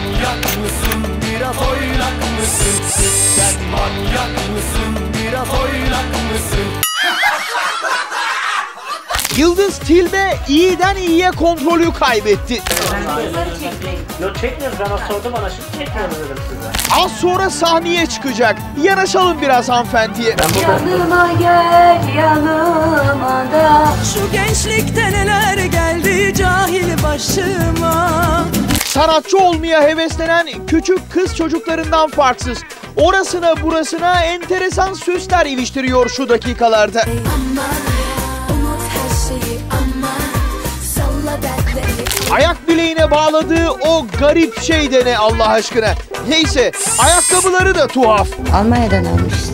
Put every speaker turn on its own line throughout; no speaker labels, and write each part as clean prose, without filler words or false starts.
manyak mısın? Biraz oynak mısın? Sen manyak mısın? Biraz oynak mısın?
Yıldız Tilbe iyiden iyiye kontrolü kaybetti.
Yok çekmiyoruz, ben o sordu bana, şimdi çekmiyoruz dedim size.
Az sonra sahneye çıkacak. Yanaşalım biraz hanımefendiye.
Yanıma gel, yanıma da.
Şu gençlikte neler geldi cahil başıma.
Sanatçı olmaya heveslenen küçük kız çocuklarından farksız. Orasına burasına enteresan süsler iliştiriyor şu dakikalarda. Ayak bileğine bağladığı o garip şey de ne Allah aşkına. Neyse, ayakkabıları da tuhaf.
Almanya'dan almıştım.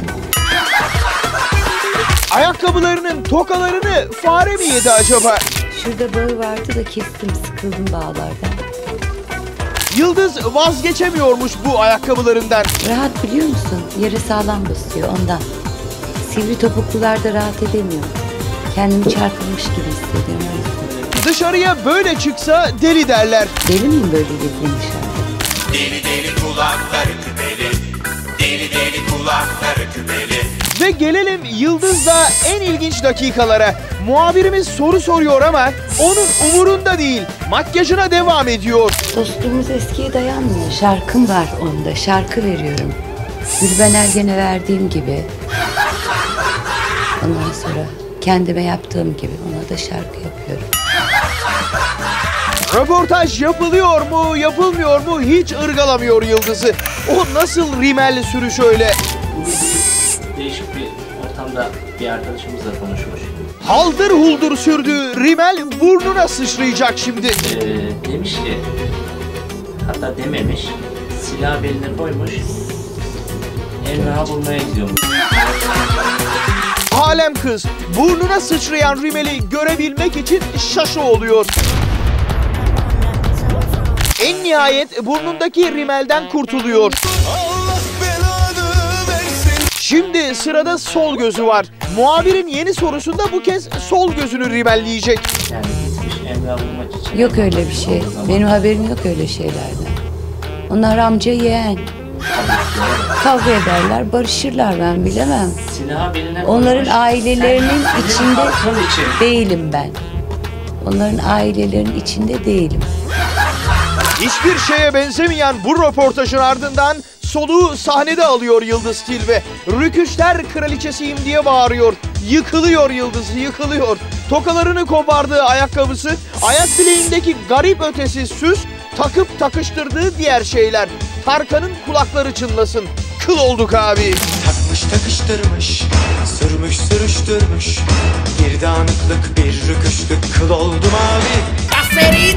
Ayakkabılarının tokalarını fare mi yedi acaba?
Şurada bağı vardı da kestim, sıkıldım bağlardan.
Yıldız vazgeçemiyormuş bu ayakkabılarından.
Rahat biliyor musun? Yere sağlam basıyor ondan. Sivri topuklularda rahat edemiyorum. Kendimi çarpılmış gibi hissediyorum.
Dışarıya böyle çıksa deli derler.
Deli miyim böyle gezdiğim dışarıda?
Deli deli kulakları küpeli. Deli deli kulakları küpeli.
Ve gelelim Yıldız'la en ilginç dakikalara. Muhabirimiz soru soruyor ama onun umurunda değil. Makyajına devam ediyor.
Dostluğumuz eskiye dayanmıyor. Şarkım var onda. Şarkı veriyorum. Gülben Ergen'e verdiğim gibi. Ondan sonra kendime yaptığım gibi ona da şarkı yapıyorum.
Röportaj yapılıyor mu, yapılmıyor mu hiç ırgalamıyor Yıldız'ı. O nasıl rimelli sürüş öyle?
Değişik bir ortamda bir arkadaşımızla konuşmuş.
Haldır huldur sürdüğü rimel burnuna sıçrayacak şimdi.
Demiş ki, hatta dememiş, silah beline koymuş, Emrah'ı bulmaya gidiyormuş.
Alem kız burnuna sıçrayan rimeli görebilmek için şaşı oluyor. En nihayet burnundaki rimelden kurtuluyor.
Allah belanı versin.
Şimdi sırada sol gözü var. Muhabirin yeni sorusunda bu kez sol gözünü rimelleyecek.
Yani gitmiş Emrah'ı bulmak için.
Yok öyle bir şey. Benim haberim yok öyle şeylerden. Onlar amca yeğen. Kavga ederler, barışırlar, ben bilemem.
Silahı beline
Onların
koymuş.
ailelerinin
Sen
içinde
halkın için.
değilim ben. Onların ailelerinin içinde değilim.
Hiçbir şeye benzemeyen bu röportajın ardından soluğu sahnede alıyor Yıldız Tilbe. Rüküşler kraliçesiyim diye bağırıyor. Yıkılıyor Yıldız, yıkılıyor. Tokalarını kopardığı ayakkabısı, ayak bileğindeki garip ötesi süs, takıp takıştırdığı diğer şeyler. Tarkan'ın kulakları çınlasın. Kıl olduk abi.
Takmış takıştırmış, sürmüş sürüştürmüş. Bir dağınıklık bir rüküşlük kıl oldum abi.
Aferin